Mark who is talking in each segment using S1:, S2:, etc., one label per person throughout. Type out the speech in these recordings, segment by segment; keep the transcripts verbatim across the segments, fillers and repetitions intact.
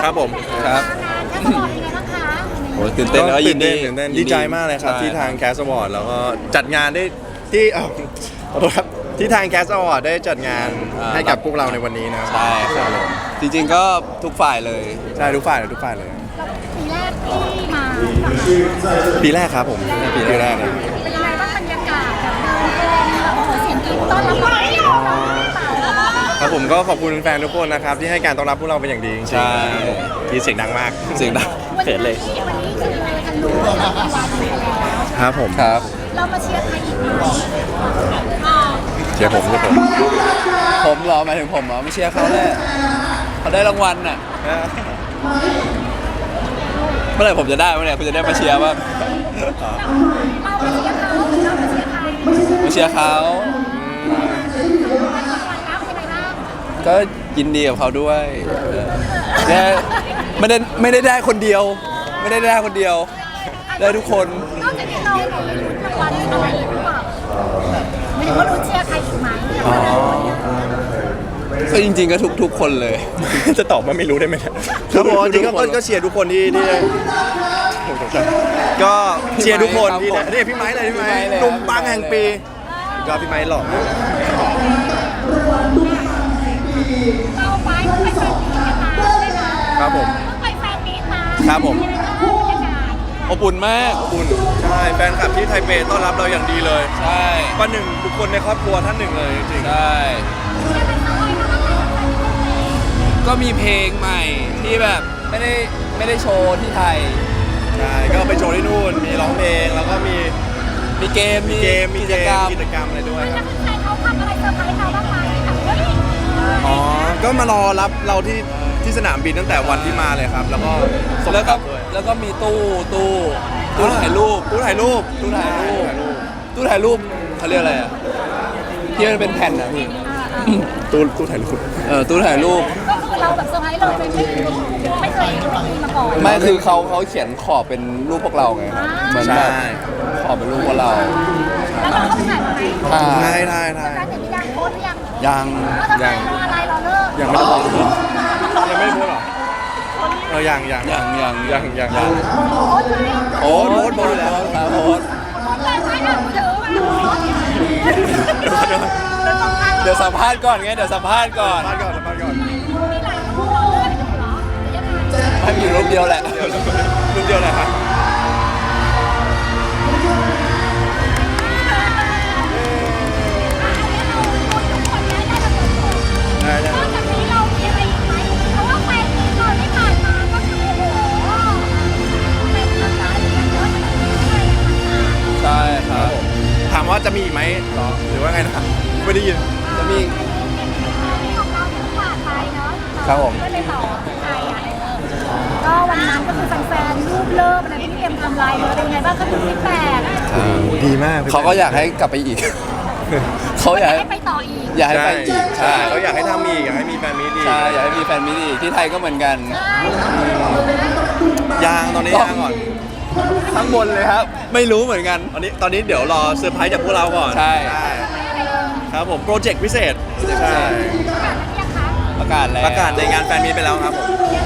S1: ครับผม
S2: ครับโอ้ตื่นเต้นแล้วยินดี
S1: ตื่นเต้นดีใจมากเลยครับที่ทางแคสต์วอร์ดแล้วก็จัดงานได้ที่ขอโทษครับที่ทางแคสต์วอร์ดได้จัดงานให้กับพวกเราในวันนี้นะ
S2: ใช่ครับจริงๆก็ทุกฝ่ายเลย
S1: ใช่ทุกฝ่ายเลยทุกฝ่ายเลย
S3: ปีแรกที่มา
S1: ปีแรกครับผมปีแรกเลย
S3: เป็นยังไงบ้างบรรยากาศแบบเดินเพลงแบบโอ้โหเสียงกรี๊ดต้อนรับเรา
S1: ครับผมก็ขอบคุณแฟนทุกคนนะครับที่ให้การต้อนรับพวกเราเป็นอย่างดีจริงๆ
S2: ใช่
S1: ที่เสียงดังมาก
S2: เสียงดังเขินเลย
S3: วันนี้คือทะลุรางวัลไปแล้ว
S1: ครับผม
S2: ครับ
S3: เรามาเชียร์ใครอีกไหม
S1: เชียร์ผมเชียร์ผม
S2: ผมเหรอหมายถึงผมเหรอไม่เชียร์เขาแหละเขาได้รางวัลน่ะเมื่อไหร่ผมจะได้เมื่อไหร่คุณจะได้มาเชียร์บ้าง
S3: เรามาเชียร์เขาเรามาเชียร์ใคร
S2: มาเชียร์เขาก็ยินดีกับเขาด้วยแค่ไม่ได้ไม่ได้ได้คนเดียวไม่ได้ได้คนเดียวได้ทุกคน
S3: นอกจากนี้เราเราลุ้นรางวัลอะไรอีกหรือเปล่าไม่รู้ว่าลุ้นเชียร์ใครอีกไหม
S2: ก็จริงๆก็ทุกทุกคนเลย
S1: จะตอบว่าไม่รู้ได้ไหมครับผมจริงๆก็เชียร์ทุกคนที่ที่ก็เชียร์ทุกคนที่นี่พี่ไม้เลยพี่ไม้หนุ่มปังแห่งปีก็พี่ไม้หล่อ
S3: เราไปไปแฟนมีตมาใช่ไหม
S1: ครับผม
S3: ไปแฟนมีตมา
S1: ครับผม
S2: อบอุ่นมาก
S1: อบอุ่นใช่แฟนคลับที่ไทเปต้อนรับเราอย่างดีเลย
S2: ใช่
S1: ประหนึ่งบุคคลในครอบครัวท่านหนึ่งเลยจริง
S2: ๆใช่ก็มีเพลงใหม่ที่แบบไม่ได้ไม่ได้โชว์ที่ไทย
S1: ใช่ก็ไปโชว์ที่นู่นมีร้องเพลงแล้วก็มี
S2: มีเกม
S1: มีเกมมีกิจกรรมกิจกรรมอะไรด้วยครับ
S3: เขาทำอะไรเซอร์ไพรส์เราบ้างไหม
S1: อ๋อก็มารอรับเราที่ที่สนามบินตั้งแต่วันที่มาเลยครับแล้วก็
S2: แล้วก็แล้วก็มีตู้ตู้ตู้ถ่ายรูป
S1: ตู้ถ่ายรูป
S2: ตู้ถ่ายรูปตู้ถ่ายรูปเขาเรียกอะไรอ่ะที่มันเป็นแผ่นอ่ะพี่
S1: ตู้ตู้ถ่ายรูป
S2: เออตู้ถ่ายรูป
S3: ก็คือเราแบบเซอร์ไพรส์เราไม่ไม่เคยมีมาก่อน
S2: ไม่คือเขาเขาเขียนขอบเป็นรูปพวกเราไงเหมือนแบบขอบเป็นรูปพวกเรา
S3: แล้วเราก็ถ่ายมาไหม
S1: ถ่ายถ่ายถ่าย
S3: แต่ยังโพสยัง
S2: ยัง
S3: ยังรออะไรรอเลิก
S1: ยังไม่ได้โพสยังไม่ได้โพสหรอเออยังยัง
S2: ยังยัง
S1: ยังยังยัง
S3: โพส
S1: โพสโพสแล้ว
S2: โพสเดี๋ยวสัมภาษณ์ก่อนไงเดี๋ยวสัมภาษณ์ก่อน
S1: สัมภาษณ์ก่อนสัมภาษณ์ก่อน
S2: ให้มีรูปเดียวแหละ
S1: รูปเดียวแหละครับได้ได้
S2: ใช่ครับ
S1: ถามว่าจะมีอีกไหมหรอหรือว่าไงนะไม่ได้ยิน
S2: จะมี
S3: ของเราที่ผ่านไปเนาะ
S2: ครับผม
S3: ก็เลยต่อไทยอ่ะก็วันนั้นก็คือแฟนๆรูปเลิฟอะไรที่เอ็มทำลายเลยเป็นไงบ้างคะคุณฟีดแบ็ก
S1: ดีมาก
S2: เขาก็อยากให้กลับไปอีกเขาอยากให้
S3: ไปต่ออีก
S2: อยากให้ไปอีก
S1: ใช่เขาอยากให้ทำอีกอยากให้มีแฟนมิตรอีก
S2: ใช่อยากให้มีแฟนมิตรอีกที่ไทยก็เหมือนกัน
S1: ยางตอนนี้ยางก่อน
S2: ข้างบนเลยครับไม่รู้เหมือนกัน
S1: ตอนนี้ตอนนี้เดี๋ยวรอเซอร์ไพรส์จากพวกเราก่อน
S2: ใช่
S1: ครับผมโปรเจกต์พิเศษ
S2: ใช่ประกาศแล้ว
S1: ประกาศในงานแฟนมีตไปแล้วครับผม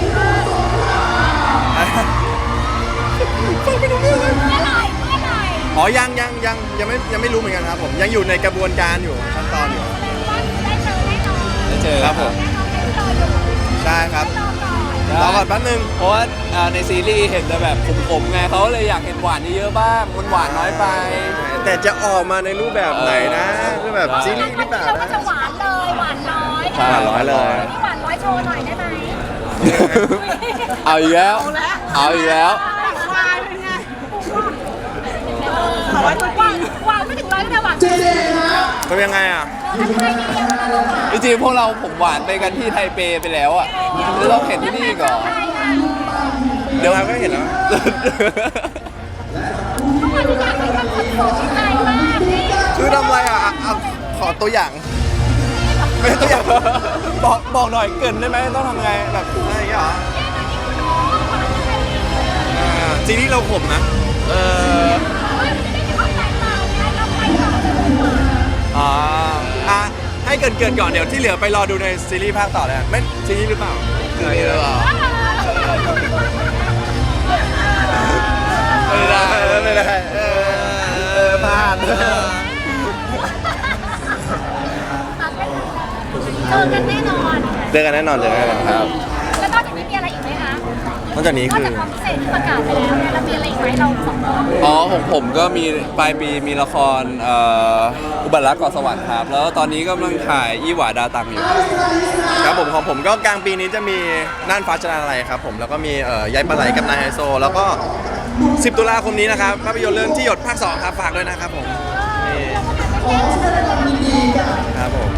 S1: อ๋อยังยังยังยังไม่ยังไม่รู้เหมือนกันครับผมยังอยู่ในกระบวนการอยู่ขั้นตอนอยู่
S2: ได้เจอ
S1: ครับผมใช่ครับรอก่อนแป๊บนึง
S2: เพราะว่าในซีรีส์เห็นแต่แบบขมๆไงเขาเลยอยากเห็นหวานเยอะๆบ้างมันหวานน้อยไป
S1: แต่จะออกมาในรูปแบบไหนนะคือแบบซีรีส์หรือเปล่า
S3: เราก็จะหวานเลยหวานน้อย
S1: หวานน้อยเลย
S3: หวานน้อยโชว์หน่อยได้ไหม
S2: เอาอีกแล้วเอาอีกแล้ว
S3: หวานหวานหวานไม่ถึงร้อยก็จะหวาน
S1: ทำยังไงอ่ะ
S2: จริงๆพวกเราผมหวานไปกันที่ไทเปไปแล้วอ่ะแล้วเราเห็นที่นี่ก่อน
S1: เดี๋ยวเราก็เห็นแล้วคือทำอะไรอ่ะขอตัวอย่างไม่ตัวอย่างบอกบอกหน่อยเกินได้ไหมต้องทำไงแบบอะไรอย่างเงี้ยเหรอซีรีส์เราขมนะเอออ๋ออ่ะให้เกินเกินก่อนเดี๋ยวที่เหลือไปรอดูในซีรีส์ภาคต่อเลยไม่ซีรีส์หรือเปล่า
S2: ซีรีส์หรือเปล่าไม่ได้
S1: เออไม่ได้เออเออพลาด
S3: เจอกันแน่นอน
S1: เจอกันแน่นอนเจอกันแน่นอนครับ
S3: แล้วนอกจากนี้มีอะไรอีกไหมคะ
S1: นอกจากนี้
S3: นอก
S1: คือ
S3: จากความพิเศษที่ประกาศไปแล้วเนี่ยเรามีอะไรอีกไหมเราสองคน
S2: อ๋อของผมก็มีปลายปีมีละครเอ่ออุบัติรักเกาะสวรรค์ครับ แล้วตอนนี้กำลังถ่ายอีหวาดาตังอยู่
S1: ครับผมของผมก็กลางปีนี้จะมีน่านฟ้าชนะอะไรครับผมแล้วก็มีเอ่อย้ายปลาไหลกับนายไฮโซ แล้วก็สิบตุลาคมนี้นะครับภาพยนตร์เรื่องที่หยดภาคสองครับฝากด้วยนะครับผมนี่ครับผม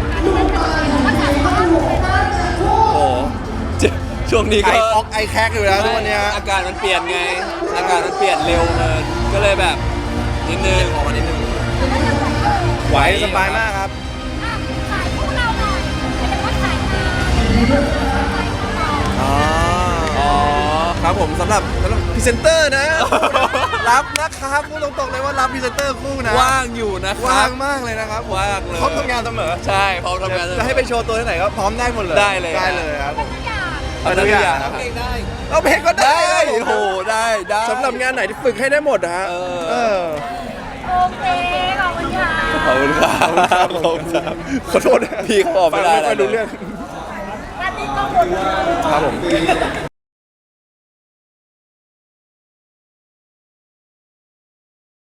S2: โอ้โหเจ็บช่วงนี้
S1: ไอ
S2: ก็
S1: ออกไอแคกอยู่แล้วทุกวันเนี้ย
S2: อากาศมันเปลี่ยนไง อากาศมันเปลี่ยนเร็วเกินก็เลยแบบนิดนึง
S1: ออกมานิดนึงไหวสบายมากครับ
S3: ขายพวกเราหน่อยไม่ได้ว่าขายงาน
S1: อ๋อ
S2: อ๋อ
S1: ครับผมสำหรับสำหรับพรีเซนเตอร์นะ รับนะครับพูดตรงๆเลยว่ารับพรีเซนเตอร์คู่นะ
S2: ว่างอยู่นะครั
S1: ว่า
S2: บ
S1: งมากเลยนะครับ
S2: ว่างเลย
S1: พร้อมทำงานเสมอ
S2: ใช่พร้อมทำงานเลย
S1: จะให้ไปโชว์ตัวที่ไหนก็พร้อมได้หมดเลย
S2: ได้เลย
S1: ได้เลยครับผม
S3: ทุกอย่าง
S2: เอาทุกอย่าง
S1: ครับ
S2: เพลงได้
S1: เอาเพลงก็ได้
S2: ได้โอ้โหได้ได้
S1: สำหรับงานไหนที่ฝึกให้ได้หมดนะฮะ
S2: เออ
S1: เออ
S3: โอเคขอบคุณค่ะ
S2: ขอบคุณครับ
S1: ขอบ
S2: ขอบ
S1: คุ
S2: คุณ ณ
S1: ค
S2: ค
S1: รั
S2: รั
S1: บบ ขอโทษนะ
S2: พี่เขาบอกไม่ได้
S1: ฟังไม่ค่อยรู้
S2: เลย
S1: เรื่อง
S3: และนี่ก็หมด
S1: ครับผม